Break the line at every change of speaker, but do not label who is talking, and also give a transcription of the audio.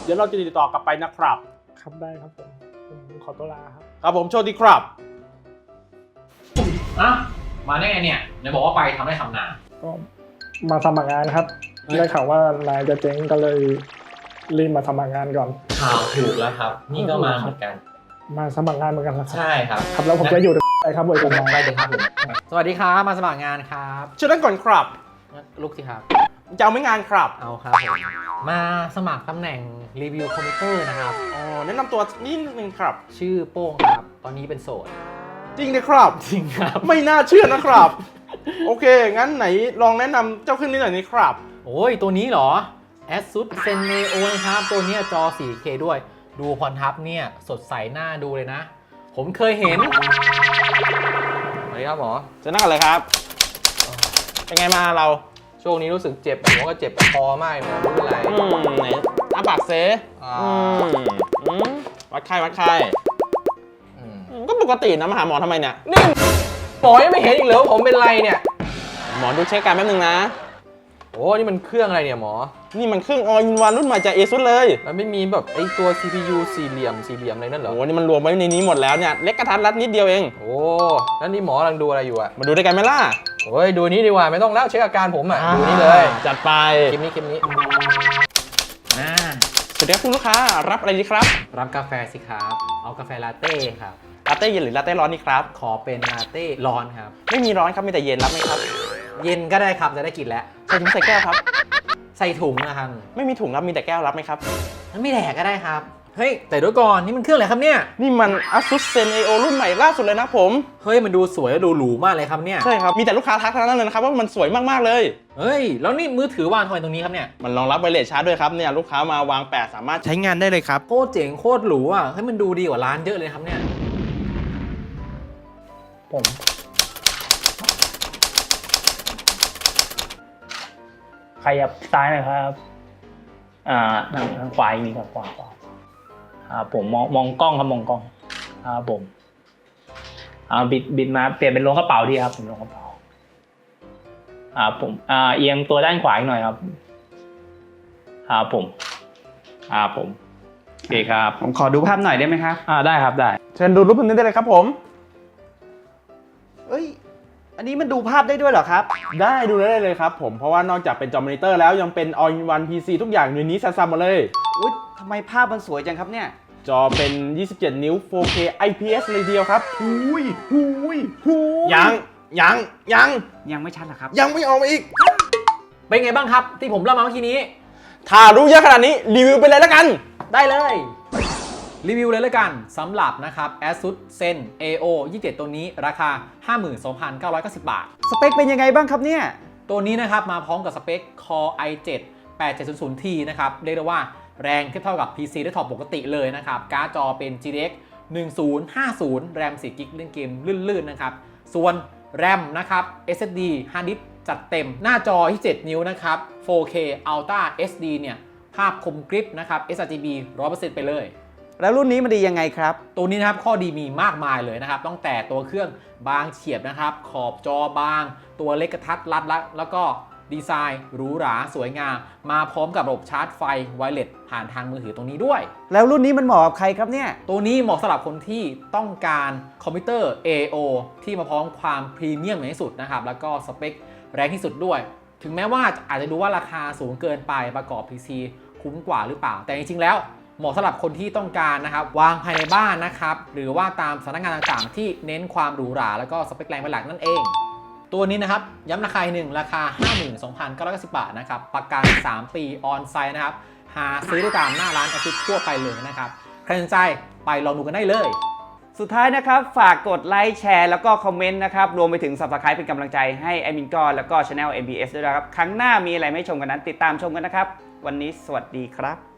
เดี๋ยวเราจะติดต่อกลับไปนะครับ
ครับได้ครับผมขอตัวลาครับ
ครับผมโชคดีครับ
อ่ะมาได้ไงเนี่ยไหนบอกว่าไปทำได้ทำนา
ก็มาสมัครงานครับได้ข่าวว่านายจะเจ๊งก็เลยรีบมาสมัครงานก่อน
ข่าวถูกแล้วครับนี่ก็มาเหมือนกัน
มาสมัครงานเหมือนกันครับ
ใช่ครับ
ครับแล้วผมจะอยู่ไหนครับบริษัทไหน
ไปเลยครับผมสวัสดีครับมาสมัครงานครับ
เชิญนั่งก่อนครับ
ลุกสิครับ
จะเอาไม่งานครับ
เอาครับผมมาสมัครตำแหน่งรีวิวคอมพิวเตอร์นะครับ
อ๋อแนะนำตัวนิดนึงครับ
ชื่อโป้งครับตอนนี้เป็นโสด
จริงเลยครับ
จริงครับ
ไม่น่าเชื่อนะครับโอเคงั้นไหนลองแนะนำเจ้าเครื่องนี้หน่อยนี่ครับ
โอ้ยตัวนี้เหรอ ASUS ZenEo นะครับตัวนี้จอ 4K ด้วยดูคอนทับเนี่ยสดใสหน้าดูเลยนะผมเคยเห็นสวัสดีครับหมอ
จะนั่งอะไรครับเป็นไงมาเรา
ช่วงนี้รู้สึกเจ็บหัวก็เจ็บคอมากหมอไม่เป็นไร
ไหนอ้าปากเซวัดไข้ก็ปกตินะมาหาหมอทำไมเนี่ย
นี่หมอยังไม่เห็นอีกเหรอผมเป็นไรเนี่ย
หมอดูเช็คการแป๊บนึงนะ
โอ้นี่มันเครื่องอะไรเนี่ยหมอ
นี่มันเครื่อง All in One รุ่นใหม่จาก ASUS เลย
มันไม่มีแบบไอตัว CPU สี่เหลี่ยมอะไรนั่นเหรอ
โอ้นี่มันรวมไว้ในนี้หมดแล้วเนี่ยเล็กกระทัดรัดนิดเดียวเอง
โอ้แล้วนี่หมอกำลังดูอะไรอยู่อะ
มาดูด้วยกันไหมล่ะ
โอ้ยดูนี้ดีกว่าไม่ต้องแล้วเช็คอาการผมอะดูนี้เลย
จัดไป
คลิปนี้
สวัสดีครับคุณลูกค้ารับอะไรดีครับ
รับกาแฟสิครับเอากาแฟลาเต้ครับ
ลาเต้เย็นหรือลาเต้ร้อนนี่ครับ
ขอเป็นลาเต้ร้อนครับ
ไม่มีร้อนครับมีแต่เย็นรับไหมครับ
เย็นก็ได้ครับจะได้กินแล้ว
ใส่ถุงใส่แก้วครับ
ใส่ถุงนะครับ
ไม่มีถุงครับมีแต่แก้วรับไหมครับ
งั้นไม่แดกก็ได้ครับเฮ้ยแต่ด้วยก่อนนี่มันเครื่องอะไรครับเนี่ย
นี่มัน ASUS ZenEo รุ่นใหม่ล่าสุดเลยนะผม
เฮ้ยมันดูสวยและดูหรูมากเลยครับเนี่ย
ใช่ครับมีแต่ลูกค้าทักทั้งนั้นเลยนะครับว่ามันสวยมากๆเลย
เฮ้ยแล้วนี่มือถือวางทำไมตรงนี้ครับเนี่ย
มันรองรับไวเลสชาร์จด้วยครับเนี่ยลูกค้ามาวางแปะสามารถใช้งานได้เลยครับ
โคตรเจ๋งโคตรหรูอ่ะให้มันดูดีกว่าร้านเยอะเลยครับเนี่ย
ผมขยับซ้ายหน่อยครับทางขวามีครับขวาผมมองกล้องครับมองกล้องผมบิดมาเปลี่ยนเป็นลงกระเป๋าดีครับผมลงกระเป๋าผมเอียงตัวด้านขวาอีกหน่อยครับผมโอเคครับ
ผมขอดูภาพหน่อยได้ไหมครับ
ได้ครับได้
เชิญดูรูปนี้ได้เลยครับผม
เอ้ยอันนี้มันดูภาพได้ด้วยเหรอครับ
ได้ดูได้เลยครับผมเพราะว่านอกจากเป็นจอมอนิเตอร์แล้วยังเป็น All in One PC ทุกอย่างอยู่ในนี้ซ้ำๆหมดเลย
อุ๊ยทำไมภาพมันสวยจังครับเนี่ย
จอเป็น27นิ้ว 4K IPS เลยเดียวครับยัง
ไม่ชัดหรอครับ
ยังไม่ออกมาอีก
เป็นไงบ้างครับที่ผมเล่ามาเมื่อกี้นี้
ถ้ารู้เยอะขนาดนี้รีวิวไปเลยแล้วกัน
ได้เลยรีวิวเลยแล้วกันสำหรับนะครับ ASUS ZenEo 27ตัวนี้ราคา 52,990 บาท
สเปคเป็นยังไงบ้างครับเนี่ย
ตัวนี้นะครับมาพร้อมกับสเปค Core i7 8700T นะครับเรียกได้ว่าแรงเทียบเท่ากับ PC ได้ท็อปปกติเลยนะครับการ์ดจอเป็น GTX 1050 แรม4 g b เล่นเกมลื่นๆนะครับส่วนแรมนะครับ SSD Hard Disk จัดเต็มหน้าจอที่7นิ้วนะครับ 4K Ultra HD เนี่ยภาพคมกริบนะครับ sRGB 100% ไปเลย
แล้วรุ่นนี้มันดียังไงครับ
ตัวนี้นะครับข้อดีมีมากมายเลยนะครับตั้งแต่ตัวเครื่องบางเฉียบนะครับขอบจอบางตัวเล็กกระทัดรัดแล้วก็ดีไซน์หรูหราสวยงามมาพร้อมกับระบบชาร์จไฟไวเลสผ่านทางมือถือตรงนี้ด้วย
แล้วรุ่นนี้มันเหมาะกับใครครับเนี่ย
ตัวนี้เหมาะสำหรับคนที่ต้องการคอมพิวเตอร์ AO ที่มาพร้อมความพรีเมียมที่สุดนะครับแล้วก็สเปคแรงที่สุดด้วยถึงแม้ว่าอาจจะดูว่าราคาสูงเกินไปประกอบ PC คุ้มกว่าหรือเปล่าแต่จริงๆแล้วเหมาะสำหรับคนที่ต้องการนะครับวางภายในบ้านนะครับหรือว่าตามสถานการณ์ต่างๆที่เน้นความหรูหราแล้วก็สเปคแรงเป็นหลักนั่นเองตัวนี้นะครับย้ำราคาหนึ่งราคา 52,990 บาทนะครับประกัน3 ปีออนไซต์นะครับหาซื้อได้ตามหน้าร้านASUSทั่วไปเลยนะครับใครสนใจไปลองดูกันได้เลย
สุดท้ายนะครับฝากกดไลค์แชร์แล้วก็คอมเมนต์นะครับรวมไปถึง Subscribe เป็นกำลังใจให้แอดมินก้อนแล้วก็ Channel MBS ด้วยนะครับครั้งหน้ามีอะไรไม่ชมกันนั้นติดตามชมกันนะครับวันนี้สวัสดีครับ